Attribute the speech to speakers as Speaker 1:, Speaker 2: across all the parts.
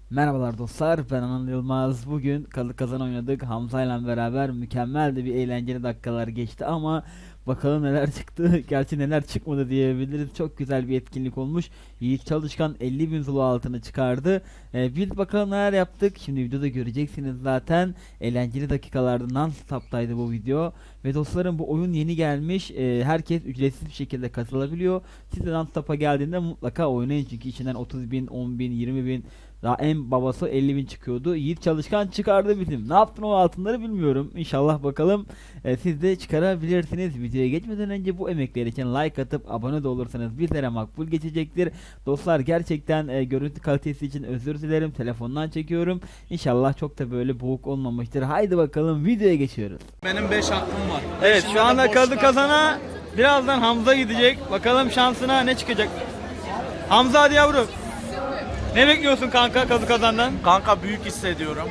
Speaker 1: Merhabalar dostlar, ben Anıl Yılmaz. Bugün Kalı Kazan oynadık. Hamza ile beraber mükemmel de bir eğlenceli dakikalar geçti ama bakalım neler çıktı. Gerçi neler çıkmadı diyebiliriz. Çok güzel bir etkinlik olmuş. Yiğit Çalışkan 50.000 Zulu altını çıkardı. Biz bakalım neler yaptık. Şimdi videoda göreceksiniz zaten. Eğlenceli dakikalarda non-stop'taydı bu video. Ve dostlarım, bu oyun yeni gelmiş. Herkes ücretsiz bir şekilde katılabiliyor. Siz de non-stop'a geldiğinde mutlaka oynayın. Çünkü içinden 30.000, 10.000, 20.000, daha en babası 50.000 çıkıyordu. Yiğit Çalışkan çıkardı bizim. Ne yaptın o altınları bilmiyorum. İnşallah bakalım siz de çıkarabilirsiniz. Videoya geçmeden önce bu emekler için like atıp abone de olursanız bizlere makbul geçecektir. Dostlar, gerçekten görüntü kalitesi için özür dilerim. Telefondan çekiyorum. İnşallah çok da böyle boğuk olmamıştır. Haydi bakalım videoya geçiyoruz.
Speaker 2: Benim 5 hakkım var.
Speaker 1: Evet,
Speaker 2: Beşinde
Speaker 1: şu anda
Speaker 2: de
Speaker 1: Kadı
Speaker 2: boşlar.
Speaker 1: Kazan'a birazdan Hamza gidecek. Bakalım şansına ne çıkacak. Hamza, hadi yavrum. Ne bekliyorsun kanka Kadı Kazan'dan?
Speaker 2: Kanka büyük hissediyorum.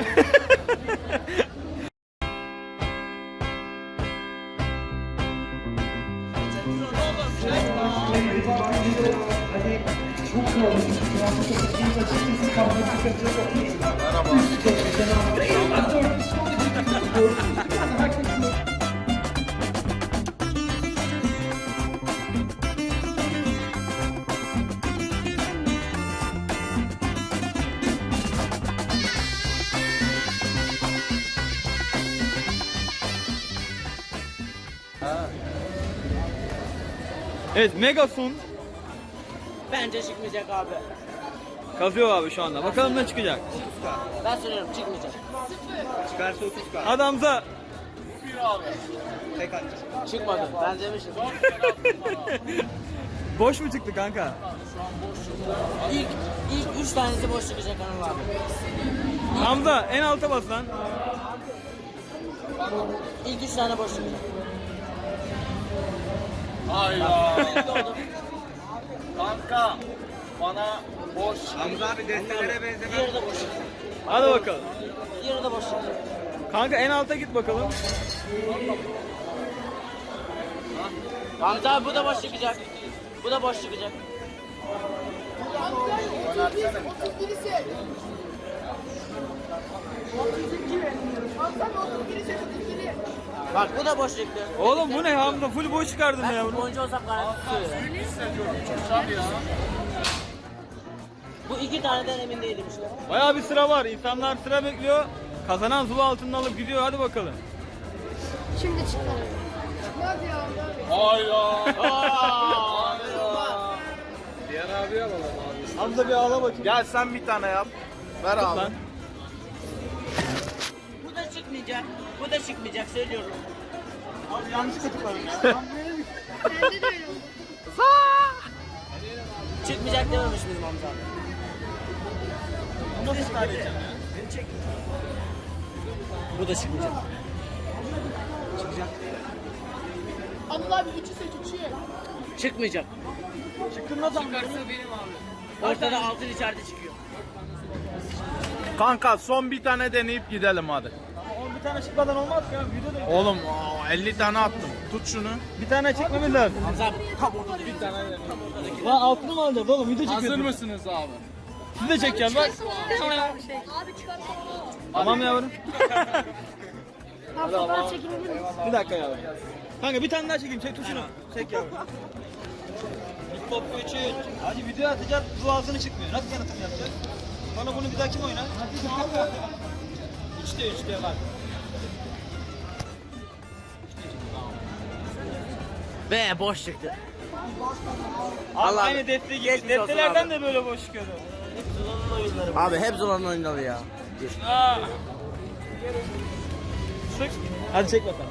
Speaker 1: Evet, Megasun
Speaker 3: Bence çıkmayacak abi.
Speaker 1: kazıyor abi şu anda. Bakalım ne çıkacak.
Speaker 3: Ben söylüyorum çıkmayacak.
Speaker 2: Çıkarsa 30k.
Speaker 1: Hadi Hamza.
Speaker 2: Tek atacağım.
Speaker 3: Çıkmadı. Ben demiştim.
Speaker 1: Boş mu çıktı kanka?
Speaker 3: İlk 3 tanesi boş çıkacak Anıl abi.
Speaker 1: Hamza, en alta bas lan.
Speaker 3: İlk 3 tane boş çıkacak.
Speaker 2: Hayda. Kanka bana boş. Hamza abi destelere benzemez.
Speaker 3: Diğeri de boş çıkacak.
Speaker 1: Hadi bakalım.
Speaker 3: Diğeri de boş çıkacak.
Speaker 1: Kanka en alta git bakalım.
Speaker 3: Hamza abi bu da boş çıkacak. Bu da boş çıkacak. Bak bu da boş çıktı.
Speaker 1: Oğlum bu ne Hamza? Full boş çıkardın ya
Speaker 3: Ben
Speaker 1: yavrum.
Speaker 3: oyuncu olsam garanti tutuyor. Bu 2 taneden emin değilim işte.
Speaker 1: Bayağı bir sıra var. İnsanlar sıra bekliyor. Kazanan Zulu altını alıp gidiyor. Hadi bakalım.
Speaker 4: Şimdi çıkarım. Hadi ya.
Speaker 2: Hayda.
Speaker 1: Diğer abi alalım abi. Hamza bir ağla bakayım.
Speaker 2: Gel sen bir tane yap. Ver abi.
Speaker 1: Lan.
Speaker 3: Bu da çıkmayacak. Bu da çıkmayacak söylüyorum.
Speaker 2: Abi yanlışlıkla tıkladım ya.
Speaker 4: Bende de öyle oldu.
Speaker 3: Çıkmayacak dememiş miydim Hamza abi?
Speaker 2: Nasıl kaybedeceğim ya?
Speaker 3: Bu da çıkmayacak.
Speaker 4: Anıl abi 3'ü seç 3'ü.
Speaker 3: Çıkmayacak.
Speaker 1: Çıktın nasıl?
Speaker 3: Ortada altın içeride çıkıyor.
Speaker 2: Kanka son bir tane deneyip gidelim hadi.
Speaker 1: Oğlum bir tane çıkmadan olmaz ya. Videoda
Speaker 2: Oğlum 50 tane attım. Tut şunu.
Speaker 1: bir tane çekmemiz lazım.
Speaker 3: Hamza abi tam ortada bir tane.
Speaker 1: Lan altını mı alacağız oğlum? Video çekiyoruz.
Speaker 2: mısınız abi?
Speaker 1: Siz de çekeceğim bak.
Speaker 4: Abi çıkarsana.
Speaker 1: Tamam yavrum.
Speaker 4: Abi fotoğraf çekilebilir miyiz?
Speaker 1: Bir dakika yavrum. Kanka bir tane daha çekeyim. Çek tuşunu. Çek yavrum. Bir top 3. Hadi video atacağız. Bu altını çıkmıyor. Nasıl yanıtım yapacağız? Bana bunu bir daha kim oynar? Hadi 3'te bak.
Speaker 3: Ve boş çıktı.
Speaker 1: Allah
Speaker 3: Allah
Speaker 1: aynı defte gibi.
Speaker 3: geçmiş olsun
Speaker 1: Deftelerden
Speaker 3: abi.
Speaker 1: de böyle boş çıkıyordu.
Speaker 3: Abi hep Zula'nın oyunları ya.
Speaker 1: Aa. Sık. Hadi çek bakalım.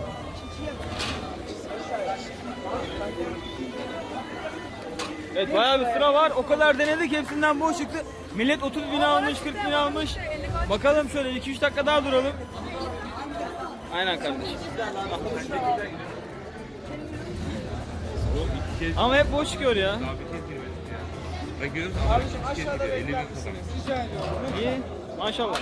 Speaker 1: Evet, bayağı bir sıra var. O kadar denedik, hepsinden boş çıktı. Millet 30.000 almış, 40.000 almış. Bakalım şöyle 2-3 dakika daha duralım. Aynen kardeşim. Ama hep boş çıkıyor ya. İyi. Maşallah.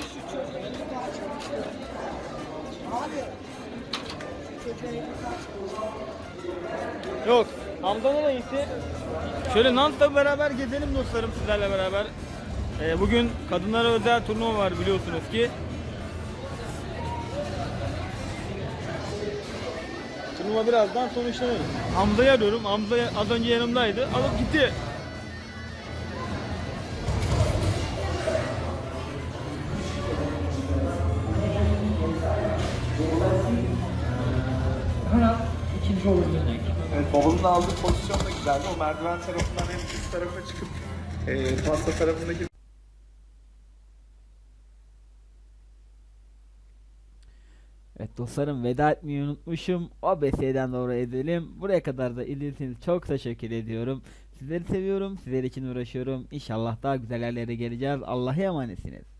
Speaker 1: Yok. Hamdan'a da gitti. Şöyle Nant'la beraber gezelim dostlarım sizlerle beraber. Bugün kadınlara özel turnuva var biliyorsunuz ki. Turnuva birazdan sonuçlanır. Hamza'yı arıyorum. Hamza az önce yanımdaydı. Alıp gitti.
Speaker 2: Evet, babanın aldığı pozisyon da güzeldi. O merdiven tarafından hem üst tarafa çıkıp pasta tarafındaki
Speaker 1: Evet dostlarım, veda etmeyi unutmuşum. OBS'den doğru edelim. Buraya kadar da izlediğiniz için çok teşekkür ediyorum. Sizleri seviyorum. Sizler için uğraşıyorum. İnşallah daha güzel yerlere geleceğiz. Allah'a emanetsiniz.